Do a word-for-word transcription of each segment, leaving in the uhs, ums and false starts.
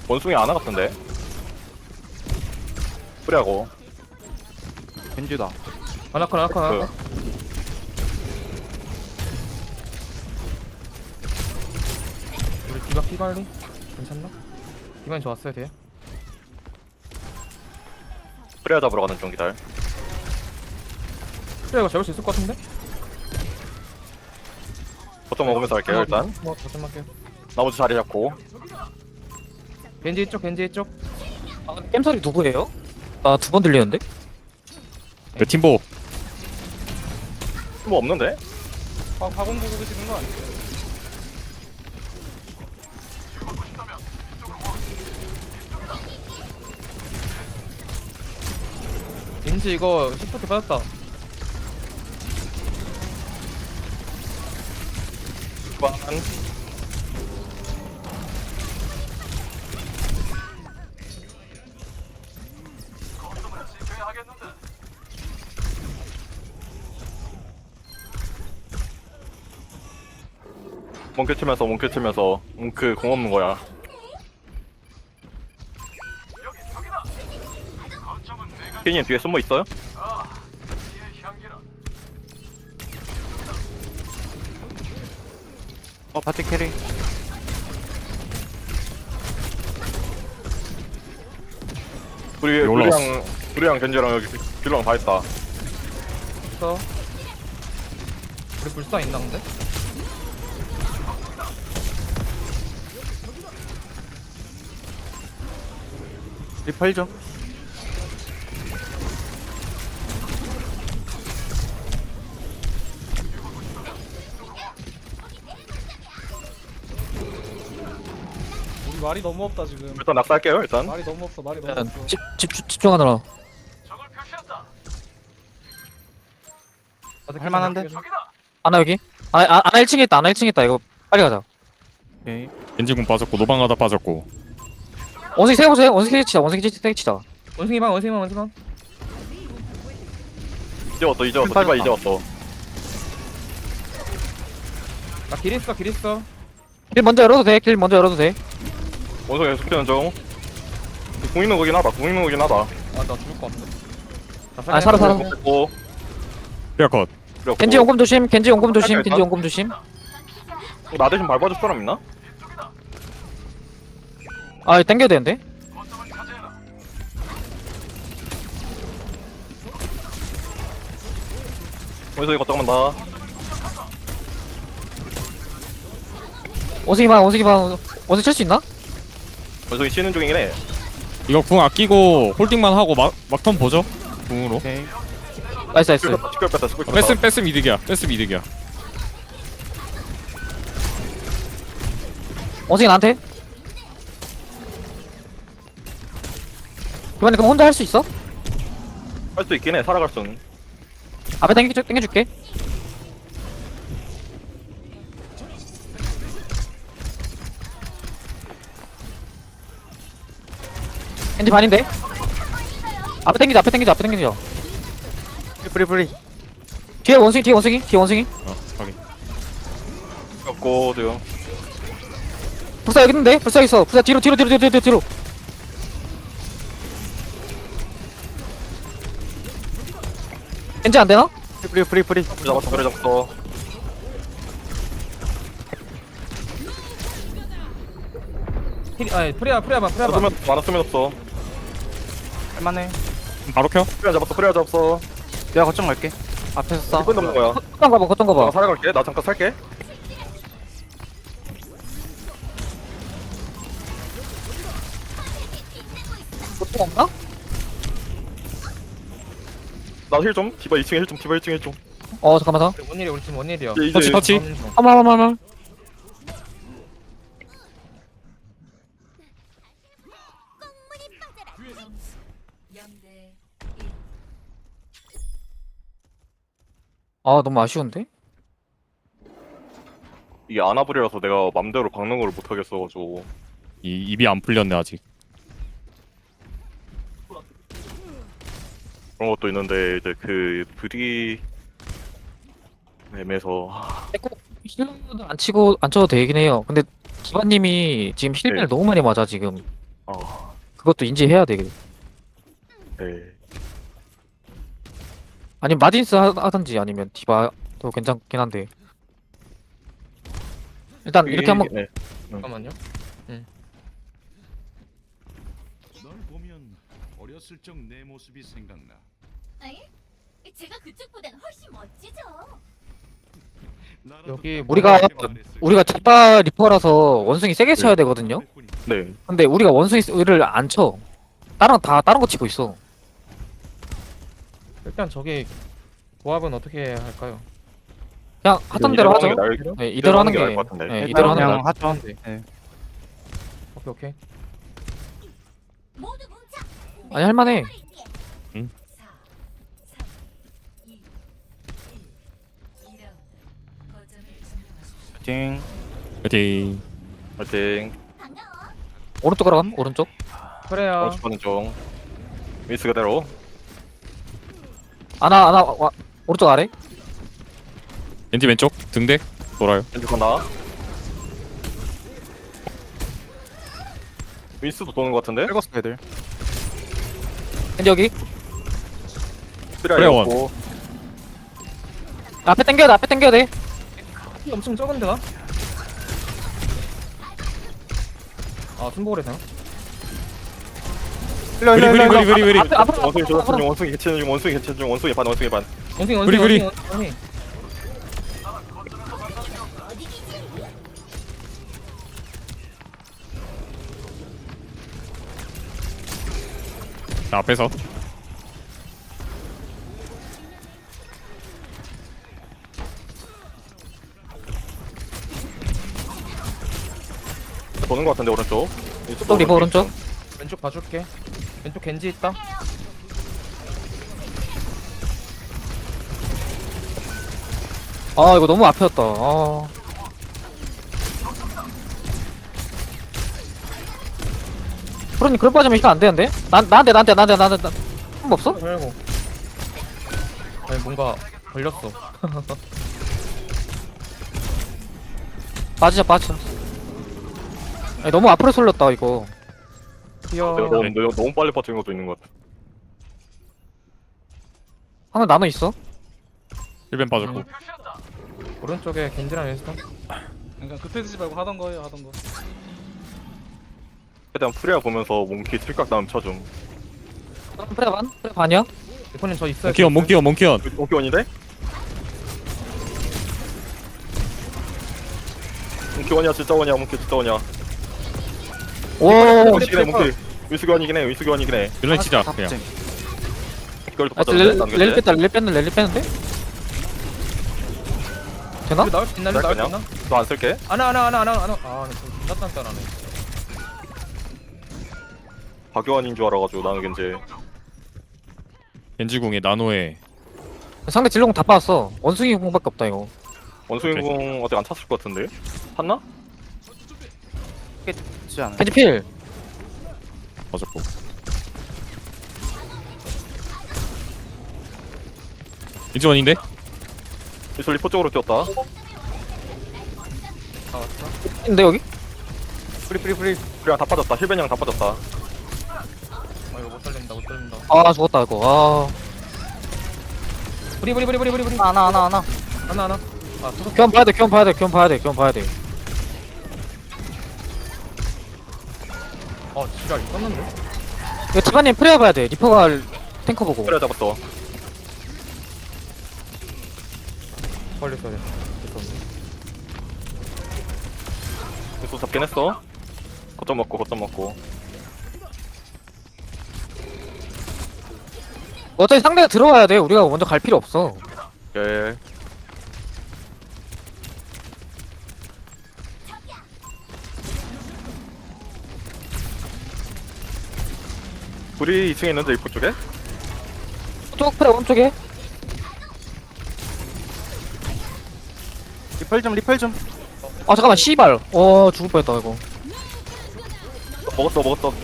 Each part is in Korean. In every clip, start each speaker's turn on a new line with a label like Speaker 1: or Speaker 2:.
Speaker 1: 원숭이 아나 같은데. 뿌리하고.
Speaker 2: 겐지다.
Speaker 3: 아나콘 아나콘 아나콘.
Speaker 1: 그
Speaker 3: 우리 디바 피 관리 괜찮나? 디바인 좋았어요 돼요?
Speaker 1: 뿌리하 잡으러 가는 중 기다려.
Speaker 3: 그래 이거 잡을 수 있을 것 같은데?
Speaker 1: 보통 먹으면서 할게요 일단.
Speaker 3: 뭐 버튼 할게요.
Speaker 1: 나머지 자리 잡고.
Speaker 3: 겐지 이쪽 겐지 이쪽.
Speaker 4: 아, 겜소리 누구예요? 나 두 번 들리는데?
Speaker 5: 그 팀보
Speaker 1: 뭐 없는데?
Speaker 3: 아 가공 보고 계시는 거 아니에요? 겐지 이거 시프트 받았다.
Speaker 1: 반. 몽크 치면서 몽크 치면서 몽크 공 없는 거야. 케인님 뒤에 숨어 있어요?
Speaker 2: 어 파티 캐리.
Speaker 1: 우리
Speaker 5: 올라왔어.
Speaker 1: 우리랑 우리랑 겐지랑 여기 딜랑 다 했다.
Speaker 3: 그래서 우리 불사 있나 근데?
Speaker 2: 리펄 좀.
Speaker 6: 우리 말이 너무 없다 지금.
Speaker 1: 일단 낙사할게요 일단.
Speaker 6: 말이 너무 없어. 말이 너무
Speaker 4: 일단
Speaker 6: 없어.
Speaker 4: 집, 집, 집중하느라.
Speaker 2: 할만한데?
Speaker 4: 아나 여기? 아, 아, 아나 일 층에 있다. 아나 일 층에 있다. 이거 빨리 가자.
Speaker 2: 오케이.
Speaker 5: 겐지군 빠졌고 노방가다 빠졌고
Speaker 4: 원숭이 세워보세요. 원숭이 치자. 원숭이 치- 치자.
Speaker 3: 원숭이 방 원숭이 방 원숭이 방.
Speaker 1: 이제 왔어 이제 왔어 디바 이제 왔어.
Speaker 3: 나길 있어 길 있어.
Speaker 4: 길 먼저 열어도 돼. 길 먼저 열어도 돼.
Speaker 1: 원숭이 계속 피는 중. 공 있는 거긴 하다. 공 있는 거긴 하다.
Speaker 3: 아 나 죽을 것 같은데. 나
Speaker 4: 아, 살아, 살아.
Speaker 1: 됐고.
Speaker 5: 피아컷
Speaker 1: 그리고
Speaker 4: 겐지 용검 조심. 겐지 용검 조심.
Speaker 1: 할까,
Speaker 4: 겐지 용검 조심.
Speaker 1: 어, 나 대신 밟아줄 사람 있나?
Speaker 4: 아, 이거 땡겨야 되는데?
Speaker 1: 원숭이 걱정만 다.
Speaker 4: 원숭이 방, 원숭이 방. 원숭이 칠 수 있나?
Speaker 1: 원숭이 쉬는 중이긴 해.
Speaker 5: 이거 궁 아끼고 홀딩만 하고 막 막턴 보죠 궁으로
Speaker 2: 오케이.
Speaker 4: 나이스, 나이스.
Speaker 1: 스쿨 뺐다 스쿨 뺐다.
Speaker 5: 뺐음 뺐음 이득이야 뺐음 이득이야
Speaker 4: 원숭이 나한테. 이번에 그럼 혼자 할 수 있어?
Speaker 1: 할 수 있긴 해. 살아갈 수는.
Speaker 4: 앞에 당겨, 당겨줄게. 겐지 반인데? 앞에 당기자, 앞에 당기자, 앞에 당기자.
Speaker 2: 뿌리 뿌리.
Speaker 4: 뒤에 원숭이, 뒤에 원숭이, 뒤에 원숭이.
Speaker 5: 어 확인
Speaker 1: 없고 지금.
Speaker 4: 불사 여기 있는데? 불사 여기 있어. 불사 뒤로, 뒤로, 뒤로, 뒤로, 뒤로, 뒤로. 겐지 안 되나?
Speaker 2: 뿌리 뿌리 뿌리.
Speaker 1: 그래 잡았어 그래 잡았어.
Speaker 3: 힐 아니 프리야 프리야 방 프리야 방.
Speaker 1: 많았으면 많았으면 없어.
Speaker 2: 할만해.
Speaker 5: 바로 켜
Speaker 1: 프리야 잡았어 프리야 잡았어.
Speaker 2: 내가 거점 갈게. 앞에서 싸.
Speaker 1: 이번 넘는 거야.
Speaker 4: 걷던 가봐, 걷던
Speaker 1: 나
Speaker 4: 가봐.
Speaker 1: 살아갈게. 나 잠깐 살게.
Speaker 4: 걷던 없나?
Speaker 1: 나 힐 좀. 디바 이 층에 힐 좀. 디바 일 층에 힐 좀.
Speaker 4: 어, 잠깐만.
Speaker 3: 원일이 우리 팀 원일이야.
Speaker 1: 이제
Speaker 5: 터치
Speaker 1: 이제
Speaker 5: 터치
Speaker 4: 한번, 한번, 한번. 아, 너무 아쉬운데?
Speaker 1: 이게 아나불이라서 내가 맘대로 박는 걸 못 하겠어가지고.
Speaker 5: 이 입이 안 풀렸네 아직
Speaker 1: 그런 것도 있는데 이제 그 불이 애매해서.
Speaker 4: 힐러는 안 치고, 안 쳐도 되긴 해요. 근데, 기반님이 지금 힐맨을
Speaker 1: 네.
Speaker 4: 너무 많이 맞아, 지금.
Speaker 1: 어,
Speaker 4: 그것도 인지해야 돼.
Speaker 1: 네.
Speaker 4: 아니면 마딘스 하- 하든지 아니면 디바도 괜찮긴 한데. 일단 이렇게 한번
Speaker 1: 네.
Speaker 3: 잠깐만요.
Speaker 7: 널 보면 어렸을 적 내 모습이 생각나.
Speaker 8: 아예? 제가 그쪽보단 훨씬 멋지죠.
Speaker 7: 나라도
Speaker 3: 여기
Speaker 7: 딱
Speaker 4: 우리가
Speaker 7: 그렇게 말했을
Speaker 4: 우리가 디바 리퍼라서 원숭이 세게 쳐야 되거든요.
Speaker 1: 네.
Speaker 4: 근데 우리가 원숭이를 안 쳐. 다른 다 다른 거 치고 있어.
Speaker 3: 일단 저기 조합은 어떻게 할까요?
Speaker 4: 그냥 하던 대로 하죠.
Speaker 1: 날,
Speaker 4: 네, 이대로 하는 게
Speaker 1: 나을 것 같은데.
Speaker 4: 네, 이대로 하는 게
Speaker 2: 그냥
Speaker 4: 나을
Speaker 2: 하죠.
Speaker 3: 네.
Speaker 2: 네.
Speaker 3: 오케이 오케이.
Speaker 8: 모두 뭉쳐.
Speaker 4: 아니 할만해.
Speaker 5: 응?
Speaker 2: 띵.
Speaker 5: 파이팅.
Speaker 1: 파이팅.
Speaker 8: 반가워.
Speaker 4: 오른쪽으로 감. 오른쪽.
Speaker 3: 그래야.
Speaker 1: 원수 가는 중. 윈스 그대로.
Speaker 4: 아나 아나 와, 오른쪽 아래.
Speaker 5: 겐지 왼쪽 등대 돌아요.
Speaker 1: 왼쪽 간다. 윈스도 도는 것 같은데?
Speaker 2: 긁었어 애들.
Speaker 4: 근데 여기
Speaker 1: 쓰리아
Speaker 5: 원.
Speaker 1: 있고.
Speaker 4: 앞에 당겨야 돼. 앞에 당겨야 돼.
Speaker 3: 피 엄청 적은데 나? 아 순보그래 되나?
Speaker 2: 흘려
Speaker 5: 브리
Speaker 2: 흘려
Speaker 5: 브리
Speaker 2: 흘려.
Speaker 5: 브리 브리 브리.
Speaker 4: 앞에 앞으로
Speaker 1: 원숭이
Speaker 4: 앞으로,
Speaker 1: 조졌어
Speaker 4: 앞으로.
Speaker 1: 중 원숭이 개치는 중 원숭이 개치는 중 원숭이 반 원숭이 반.
Speaker 3: 원숭이
Speaker 5: 브리,
Speaker 3: 원숭이
Speaker 5: 브리.
Speaker 3: 원숭이 원숭이.
Speaker 5: 자, 앞에서
Speaker 1: 도는 것 같은데 오른쪽.
Speaker 4: 또 리버 오른쪽.
Speaker 3: 왼쪽 봐줄게. 왼쪽 겐지 있다.
Speaker 4: 아 이거 너무 앞이었다. 아. 프로님 그럴 빠지면 시간 안 되는데? 난 나한테 나한테 나한테 나한테 나. 한 없어?
Speaker 3: 아이고. 아니 뭔가 걸렸어.
Speaker 4: 빠지자 빠지자. 아니, 너무 앞으로 쏠렸다 이거.
Speaker 3: 뛰어.
Speaker 1: 내가 너무, 내가 너무 빨리 버티는 것도 있는 것 같아.
Speaker 4: 하나 나눠 있어.
Speaker 5: 일 벤 빠졌고.
Speaker 3: 오른쪽에 겐지랑 윈스턴.
Speaker 6: 그러니까 급해지지 말고 하던 거예요, 하던 거.
Speaker 1: 최대한 프리아 보면서 몽키 칠각 다음 쳐줌.
Speaker 4: 프레 반? 프레 반이야?
Speaker 3: 대표님 저 있어요.
Speaker 5: 몽키언 몽키언 몽키언.
Speaker 1: 몽키 원인데? 몽키 원이야 진짜 원이야 몽키 진짜 원이야.
Speaker 4: 오.
Speaker 1: 윈스 원이긴 해 몽키. 윈스 원이긴 해 윈스 원이긴 해.
Speaker 5: 딜라인 치자 그냥.
Speaker 1: 이걸 또
Speaker 4: 아,
Speaker 1: 받아도
Speaker 4: 렐-
Speaker 1: 돼?
Speaker 4: 렐리 뺐다 렐리 뺐는 렐리 뺐는데? 되나?
Speaker 3: 우리 나올 수 있나?
Speaker 1: 날
Speaker 3: 나올 수
Speaker 1: 거냐?
Speaker 3: 있나?
Speaker 1: 너안 쓸게.
Speaker 3: 안아 안아 안아 안아 안아. 아, 존나 단단하네.
Speaker 1: 박요한인 줄 알아가지고 나는 겐지.
Speaker 5: 겐지궁에 나노에
Speaker 4: 상대 진로공 다 빠졌어. 원숭이 공밖에 없다 이거.
Speaker 1: 원숭이 공 어떻게 안 찼을 것 같은데? 탔나?
Speaker 2: 지 않아.
Speaker 4: 겐지 필.
Speaker 5: 빠졌고. 겐지원인데?
Speaker 1: 윈스 리포 쪽으로 뛰었다.
Speaker 4: 근데 여기?
Speaker 1: 프리 프리 프리. 프리아 다 빠졌다. 힐벤이랑 다 빠졌다.
Speaker 3: 아 이거 못 살린다 못 살린다.
Speaker 4: 아 죽었다 이거.
Speaker 3: 브리 브리 브리 브리 브리 브리.
Speaker 4: 아. 하나 하나 하나.
Speaker 3: 하나 하나. 아 소속.
Speaker 4: 교환 봐야 돼. 교환 봐야 돼. 교환 봐야 돼. 교환 봐야 돼.
Speaker 3: 어 지랄 있었는데?
Speaker 4: 이거 티바님 프레어 봐야 돼. 리퍼가 탱커 보고.
Speaker 1: 프리아 잡았어.
Speaker 3: 빨리 써야 돼.
Speaker 1: 윈스 잡긴 했어. 거점 먹고 거점 먹고.
Speaker 4: 어차피 상대가 들어와야 돼. 우리가 먼저 갈 필요 없어.
Speaker 1: 예. 우리 이 층에 있는데 입구 쪽에?
Speaker 4: 쪽 프레 오른쪽에.
Speaker 2: 리펄 좀 리펄 좀.
Speaker 4: 아 잠깐만 씨발. 어 죽을 뻔했다 이거.
Speaker 1: 먹었어 먹었어.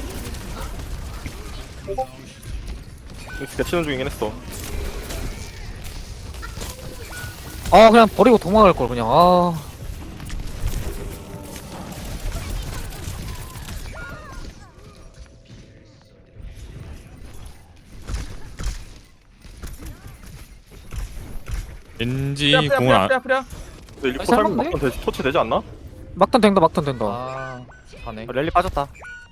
Speaker 1: 개치는 중이긴 했어.
Speaker 4: 아 그냥 버리고 도망갈 걸 그냥. 아
Speaker 5: 겐지
Speaker 3: 프리야 프리야
Speaker 5: 공을
Speaker 3: 프리야
Speaker 5: 안
Speaker 3: 프리야 프리야.
Speaker 1: 근데 리포
Speaker 4: 아니,
Speaker 1: 살면
Speaker 4: 살만해?
Speaker 1: 막턴 되지, 터치 되지 않나?
Speaker 4: 막턴 된다 막턴 된다.
Speaker 3: 아 가네.
Speaker 2: 어, 랠리 빠졌다.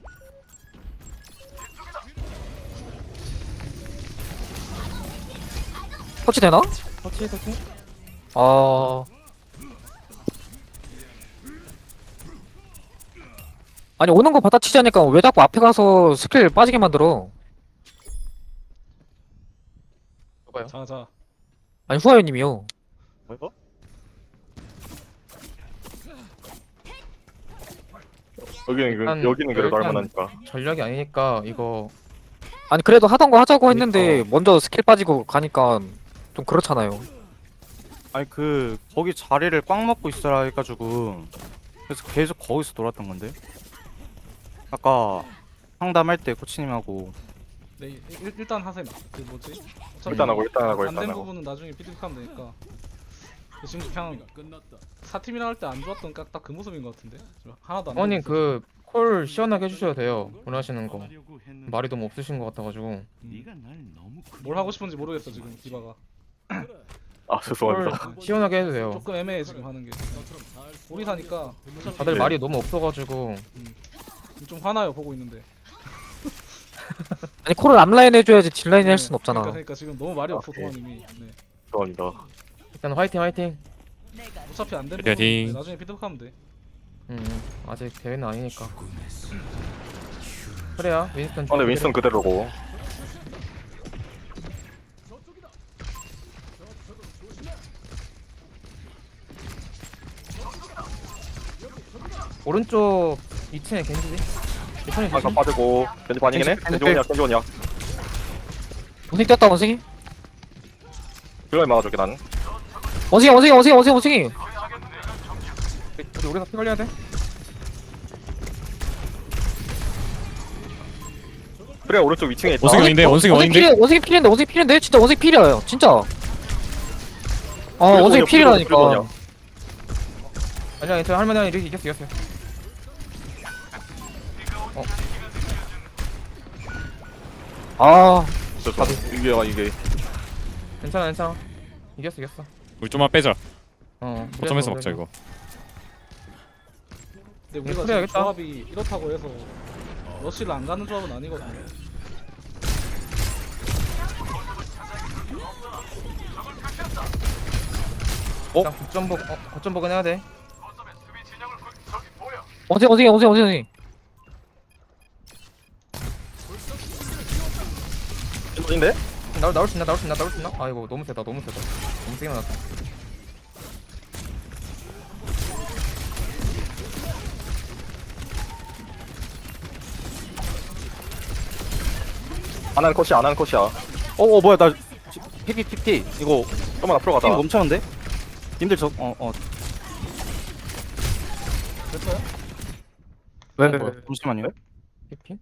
Speaker 4: 터치 되나?
Speaker 3: 터치 터치.
Speaker 4: 아. 아니 오는 거 받아치자니까 왜 자꾸 앞에 가서 스킬 빠지게 만들어?
Speaker 6: 자자.
Speaker 4: 아니 후아유님이요.
Speaker 1: 뭐야? 여기는 그-
Speaker 3: 일단-
Speaker 1: 여기는 그래도
Speaker 3: 일단-
Speaker 1: 할만하니까.
Speaker 3: 전략이 아니니까 이거
Speaker 4: 아니 그래도 하던 거 하자고 했는데
Speaker 3: 그러니까.
Speaker 4: 먼저 스킬 빠지고 가니까 좀 그렇잖아요.
Speaker 2: 아니 그 거기 자리를 꽉 먹고 있으라 해가지고 그래서 계속 거기서 놀았던 건데. 아까 상담할 때 코치님하고
Speaker 6: 네 일, 일단 하셈. 그 뭐지? 어차피
Speaker 1: 일단 하고 일단 하고 일단
Speaker 6: 안된
Speaker 1: 하고.
Speaker 6: 부분은 나중에 피드백하면 되니까. 지금 그냥 사팀이랑 할 때 안 좋았던 딱 그 모습인 것 같은데. 하나도 안.
Speaker 3: 어머님
Speaker 6: 되고 있어.
Speaker 3: 그 콜 시원하게 해주셔도 돼요. 원하시는 거.
Speaker 7: 하려고 했는데
Speaker 3: 말이 너무 없으신 것 같아가지고.
Speaker 7: 네가 날 너무
Speaker 6: 뭘 하고 싶은지 모르겠어 지금 디바가.
Speaker 1: 아
Speaker 3: 콜
Speaker 1: 죄송합니다.
Speaker 3: 시원하게 해도 돼요.
Speaker 6: 조금 애매해 지금 하는 게. 우리 사니까 어차피
Speaker 3: 다들
Speaker 1: 네.
Speaker 3: 말이 너무 없어가지고.
Speaker 6: 좀 화나요 보고 있는데.
Speaker 4: 아니 콜을 앞라인 해줘야지 뒷라인 할 순 없잖아.
Speaker 6: 그러니까, 그러니까 지금 너무 말이 없어
Speaker 1: 아, 네.
Speaker 6: 동환님이. 네.
Speaker 1: 죄송합니다.
Speaker 3: 일단 화이팅 화이팅.
Speaker 6: 어차피 안된
Speaker 5: 파이팅.
Speaker 6: 부분 네, 나중에 피드백하면 돼.
Speaker 3: 음 음. 아직 대회는 아니니까. 그래야 윈스턴.
Speaker 1: 아, 근데 윈스턴 그대로고.
Speaker 3: 오른쪽 이 층에 겐지지. 리턴이
Speaker 1: 아까
Speaker 3: 조심.
Speaker 1: 빠지고 겐지 반이긴 해. 겐지 원이야 겐지 원이야.
Speaker 4: 원숭이 뛰었다 원숭이.
Speaker 1: 그걸 막아줄게 나는.
Speaker 4: 원숭이 원숭이 원숭이 원숭이 원숭이.
Speaker 3: 우리 우리가 피 관리해야 돼.
Speaker 1: 그래 오른쪽 위 층에 있다.
Speaker 5: 원숭이 원인데 원숭이
Speaker 4: 원숭이
Speaker 5: 원인데
Speaker 4: 필이 원숭이 필인데 원숭이 필인데 진짜 원숭이 필이에요 진짜. 아
Speaker 1: 그래도
Speaker 4: 원숭이
Speaker 1: 그래도
Speaker 4: 필이라니까.
Speaker 1: 그래도
Speaker 3: 아니야 괜찮아 할만해. 이렇게 이겼어 이겼어.
Speaker 4: 아
Speaker 1: 죄송. 이게 이게
Speaker 3: 괜찮아 괜찮아. 이겼어 이겼어.
Speaker 5: 우리 좀만 빼자.
Speaker 3: 어.
Speaker 5: 거점에서
Speaker 3: 그래서
Speaker 5: 먹자
Speaker 3: 그래서.
Speaker 5: 이거.
Speaker 6: 근데 우리가
Speaker 3: 그래,
Speaker 6: 지금
Speaker 3: 알겠다.
Speaker 6: 조합이 이렇다고 해서 러쉬를 안 가는 조합은 아니거든요.
Speaker 3: 일단 거점 보 어, 거점 보긴 해야 돼.
Speaker 4: 원숭이 원숭이 원숭이 원숭이.
Speaker 1: 인데?
Speaker 3: 나올 나올 수 있나 나올 수 있나 나올 수 있나? 아이고 너무 세다 너무 세다. 너무 세게 나왔다.
Speaker 1: 안 하는 컷이야 안 하는 컷이야.
Speaker 2: 어어 뭐야 나 피피 피피 이거
Speaker 1: 좀만 앞으로 가자.
Speaker 2: 팀 멈췄는데? 님들 저어어
Speaker 6: 됐어요?
Speaker 4: 왜?
Speaker 3: 어, 뭐야?
Speaker 2: 잠시만요.
Speaker 3: 피피?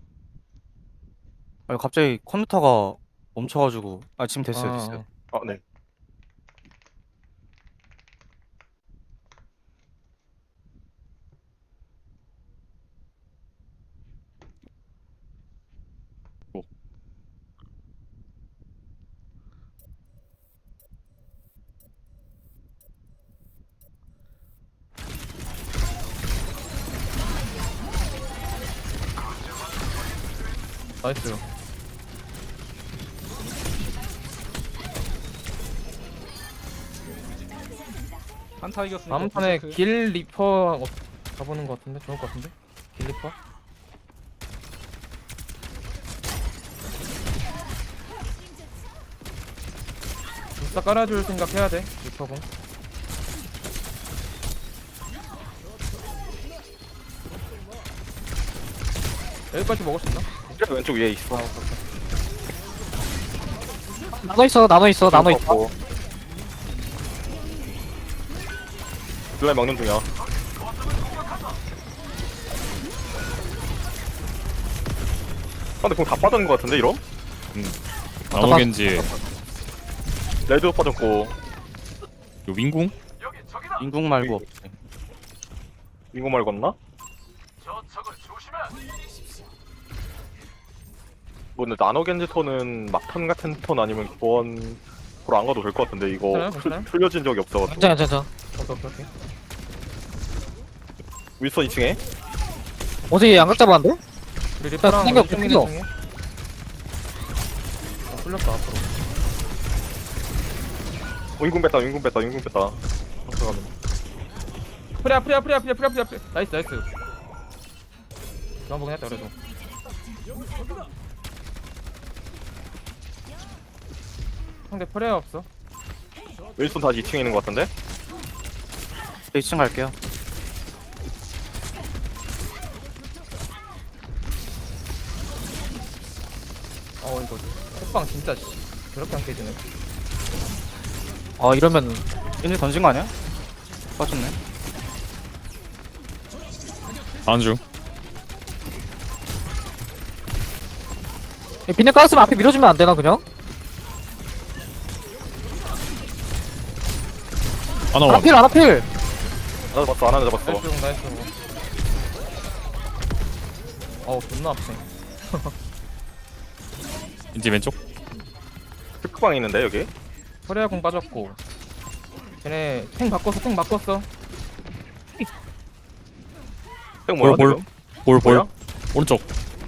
Speaker 2: 아니 갑자기 컴퓨터가 멈춰가지고 아 지금 됐어요
Speaker 3: 아,
Speaker 2: 됐어요.
Speaker 1: 아 네.
Speaker 3: 나이스.
Speaker 6: 한타 이겼으니까.
Speaker 3: 다음 판에
Speaker 6: 부스크.
Speaker 3: 길 리퍼 어, 가보는 것 같은데 좋을 것 같은데. 길 리퍼. 진짜 깔아줄 생각 해야 돼. 리퍼군. 여기까지 먹을 수 있나?
Speaker 1: 그래 왼쪽 위에 있어.
Speaker 4: 나눠 있어 나눠 있어 나눠 있다.
Speaker 1: 블라이 먹는 중이야. 아, 근데 그럼 다 빠진 것 같은데 이럼?
Speaker 5: 나노 겐지
Speaker 1: 레드 빠졌고
Speaker 5: 요 윙궁?
Speaker 2: 인궁 말고 없지.
Speaker 1: 인구 말고 없나? 뭐 근데 나노 겐지 톤은 막턴 같은 톤 아니면 교원 앞으로 안 가도 될 것 같은데 이거
Speaker 3: 괜찮아요?
Speaker 1: 풀-
Speaker 3: 괜찮아요?
Speaker 1: 풀려진 적이 없어가지고.
Speaker 4: 괜찮아 괜찮아.
Speaker 3: 오케이 오케이 오케이.
Speaker 1: 윌선 이 층에.
Speaker 4: 어제 양각 잡았는데?
Speaker 3: 우리 리퍼랑
Speaker 4: 땡겨,
Speaker 3: 왼쪽
Speaker 4: 땡겨.
Speaker 3: 중에. 어, 풀렸다 앞으로.
Speaker 1: 어, 인공 뺐다 인공 뺐다 인공 뺐다. 잠깐만.
Speaker 3: 프리야 프리야 프리야 프리야 프리야 프리야 프리야. 나이스 나이스. 좋아 보긴 했다 그래도. 상대 프리야 없어.
Speaker 1: 윌슨 다시 이 층에 있는 것 같은데.
Speaker 2: 이 층 갈게요.
Speaker 3: 어 이거 호빵 진짜 씨, 그렇게 안 깨지네.
Speaker 4: 어 이러면
Speaker 2: 얘네 던진 거 아니야? 빠졌네.
Speaker 5: 안주.
Speaker 4: 비늘 깔았으면 앞에 밀어주면 안 되나 그냥?
Speaker 5: 하나 원.
Speaker 4: 아필 아필.
Speaker 1: 하나 잡았어 하나 잡았어.
Speaker 3: 나이스 나이스. 어우 존나 아프네.
Speaker 5: 이제 왼쪽.
Speaker 1: 특방에 있는데 여기.
Speaker 3: 프리야 공 빠졌고. 걔네 탱 바꿨어 탱 바꿨어.
Speaker 1: 형 뭐야
Speaker 5: 볼,
Speaker 1: 지금?
Speaker 5: 볼, 볼.
Speaker 1: 뭐야?
Speaker 5: 오른쪽.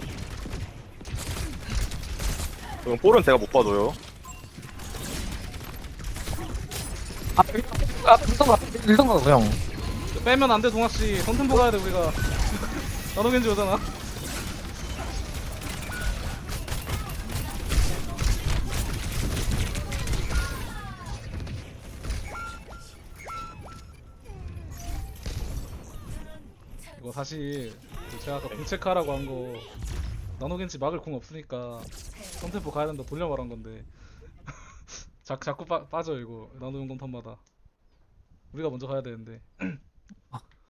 Speaker 1: 지금 볼은 제가 못 봐줘요.
Speaker 4: 앞에 아 밀던가 밀던가 그냥.
Speaker 6: 빼면 안 돼 동아씨. 선템포 가야 돼 우리가. 나노겐지 오잖아. 이거 사실 제가 아까 공 체크하라고 한 거 나노겐지 막을 공 없으니까 선템포 가야 된다 돌려 말한 건데 자, 자꾸 빠, 빠져 이거 나노 용검 턴마다 우리가 먼저 가야 되는데